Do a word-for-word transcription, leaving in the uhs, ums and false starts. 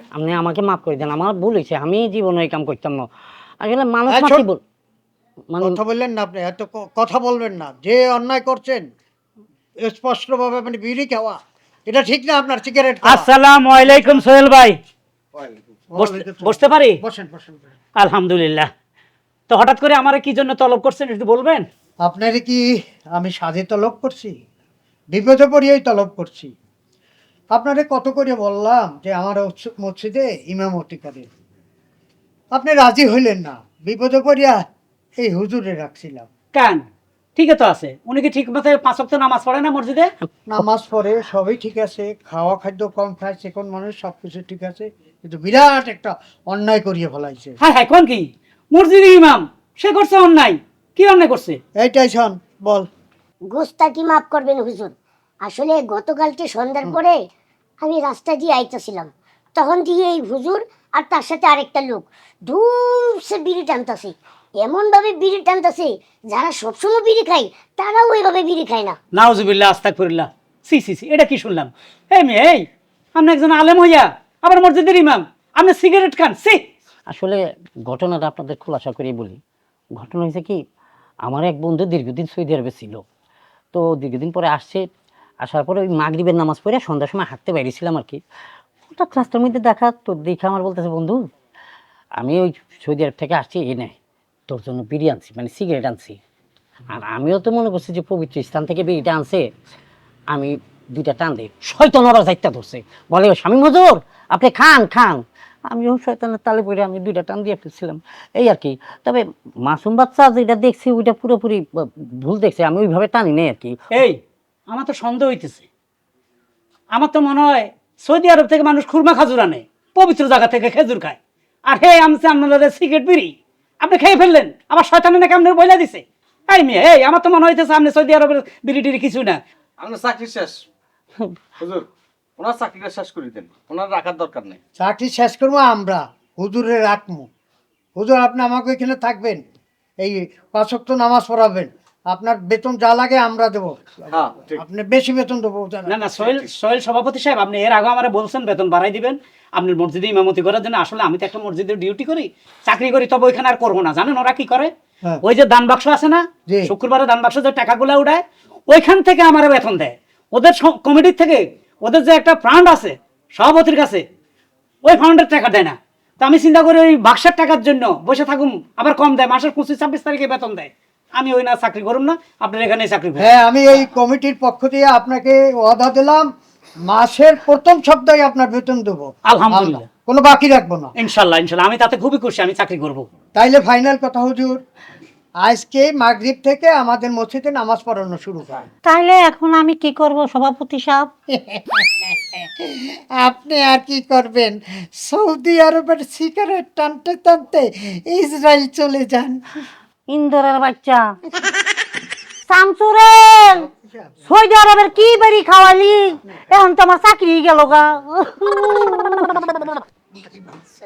আপনি আমাকে মাফ করে দেন, আমার ভুল হয়েছে, আমি জীবনে এই কাম করতাম না। আসলে মানুষ এই মাত্রই শোন, বল মানে কথা বললেন না আপনি, এত ক- কথা বলবেন না। যে অন্যায় করছেন স্পষ্টভাবে মানে বিড়ি খাওয়া, এটা ঠিক না আপনার সিগারেট খাওয়া। আসসালামু আলাইকুম সোহেল ভাই। বসতে ওয়ালাইকুম আসসালাম। বসতে পারি? বসেন বসেন বসেন। আলহামদুলিল্লাহ। তো হঠাৎ করে আমার কি জন্য তলব করছেন একটু বলবেন? আপনার কি আমি সাজে তলব করছি? বিপদে পড়িয়েই তলব করছি। আপনারে কত করে বললাম যে আমার উৎস- মসজিদে ইমামতি করে, আপনি রাজি হইলেন না। বিপদে পড়িয়া এই হুজুরে রাখছিলাম। কেন? ঠিকই তো আছে, উনি কি ঠিক মতো পাঁচ ওয়াক্ত নামাজ পড়ে না মসজিদে? নামাজ পড়ে, সবই ঠিক আছে, খাওয়া খাদ্য কম খায়, চিকন মানুষ, সব কিছু ঠিক আছে, কিন্তু বিরাট একটা অন্যায় করিয়ে ফেলাইছে। হ্যাঁ হ্যাঁ, কোন কি? মসজিদের ইমাম সে করছে অন্যায়? কি অন্যায় করছে? এইটাই শোন, বল। গোস্তাকি মাফ করবেন হুজুর। আসলে গতকালকে সন্ধ্যার পরে আমি রাস্তা দিয়ে আইতেছিলাম, তখন দিয়ে এই হুজুর আর তার সাথে আরেকটা লোক ধূপসে বিড়ি টানতেছে। এমন ভাবে বিড়ি টানতেছে, যারা সবসময় বিড়ি খায় তারাও ওইভাবে বিড়ি খায় না। নাউজুবিল্লাহ, আস্তাগফিরুল্লাহ। সি সি সি, এটা কি শুনলাম? এই মেয়ে, এই আপনি একজন আলেম হইয়া আবার মসজিদের ইমাম, আপনি সিগারেট খান? সি! আসলে ঘটনাটা আপনাদের খোলাসা করেই বলি। ঘটনা হয়েছে কি, আমার এক বন্ধু দীর্ঘদিন সৌদি আরবে ছিল। তো দীর্ঘদিন পরে আসছে, আসার পরে ওই মাগরিবের নামাজ পড়ে সন্ধ্যার সময় হাঁটতে বেরিয়েছিলাম আর কি। হঠাৎ রাস্তার মধ্যে দেখা, তো দেখে আমার বলতেছে, বন্ধু আমি ওই সৌদি আরব থেকে আসছি, এই নেয় তোর জন্য বিড়ি আনছি, মানে সিগারেট আনছি। আর আমিও তো মনে করছি যে পবিত্র স্থান থেকে বিড়িটা আনছে, আমি দুইটা টান দিই, শয়তান আবার যাইতা ধরছে, বলে স্বামী মজুর আপনি খান খান। আমিও শয়তানের তালে পড়ে আমি দুইটা টান দিয়ে ফেলছিলাম, এই আর কি। তবে মাসুম বাচ্চা যেটা দেখছি ওইটা পুরোপুরি ব- ভুল দেখছে, আমি ওইভাবে টানি নেই আর কি। এই, আমার তো সন্দেহ হইতেছে। আমার তো মনে হয় সৌদি আরব থেকে মানুষ খুরমা খাজুর আনে, পবিত্র জায়গা থেকে খেজুর খায়। আর হে আমছে আপনাদের সিগারেট বিড়ি আপনি খেয়ে ফেললেন, আবার শয়তানে নাকি আপনার বইলা দিছে। এই মেয়ে, এই আমার তো মনে হইতেছে আপনি সৌদি আরবের বিড়ি টিড়ি কিছু না। আপনার চাকরি শেষ হুজুর, ওনার চাকরিটা শেষ করে দেন, ওনার রাখার দরকার নেই। চাকরি শেষ করবো আমরা, হুজুরে রাখবো। হুজুর আপনি আমাকে এখানে থাকবেন, এই পাঁচ ওয়াক্ত নামাজ পড়াবেন, আপনার বেতন যা লাগে আমরা দেবো। হ্যাঁ ঠিক। আপনি বেশি বেতন দেবো। না না, সোহেল সোহেল সভাপতি সাহেব, আপনি এর আগে আমার বলছেন বেতন বাড়াই দিবেন আপনার মসজিদে ইমামতি করার জন্য। আসলে আমি তো একটা মসজিদে ডিউটি করি, চাকরি করি, তবে ওইখানে আর করবো না। জানেন ওরা কি করে? হ্যাঁ। ওই যে দান বাক্স আছে না, জি। শুক্রবারে দান বাক্স যে টাকাগুলো উঠায়, ওইখান থেকে আমার বেতন দেয়। ওদের কমিটির থেকে ওদের যে একটা ফান্ড আছে সভাপতির কাছে, ওই ফান্ডের টাকা দেয় না। তো আমি চিন্তা করি ওই বাক্সের টাকার জন্য বসে থাকুম, আবার কম দেয়, মাসের পঁচিশ ছাব্বিশ তারিখে বেতন দেয়। আমি ওই না চাকরি করুম না, আপনার এখানে চাকরি করুন। হ্যাঁ, আমি এই কমিটির পক্ষ দিয়ে আপনাকে ওয়াদা দিলাম, মাসের প্রথম সপ্তাহে আপনার বেতন দেবো। আলহামদুলিল্লাহ। আমরা কোনো বাকি রাখবো না। ইনশাল্লাহ ইনশাল্লাহ, আমি তাতে খুবই খুশি, আমি চাকরি করব। তাইলে ফাইনাল কথা হুজুর, আজকে মাগরিব থেকে আমাদের মসজিদে নামাজ পড়ানো শুরু হয়। তাইলে এখন আমি কি করব সভাপতি সাহেব? আপনি আর কি করবেন, সৌদি আরবের সিগারেট টানতে টানতে ইসরায়েল চলে যান। ইন্দোরের বাচ্চা শামসুরেল, সৌদি আরবের কি বেরি খাওয়ালি, এখন তো আমার চাকরি গেল গা।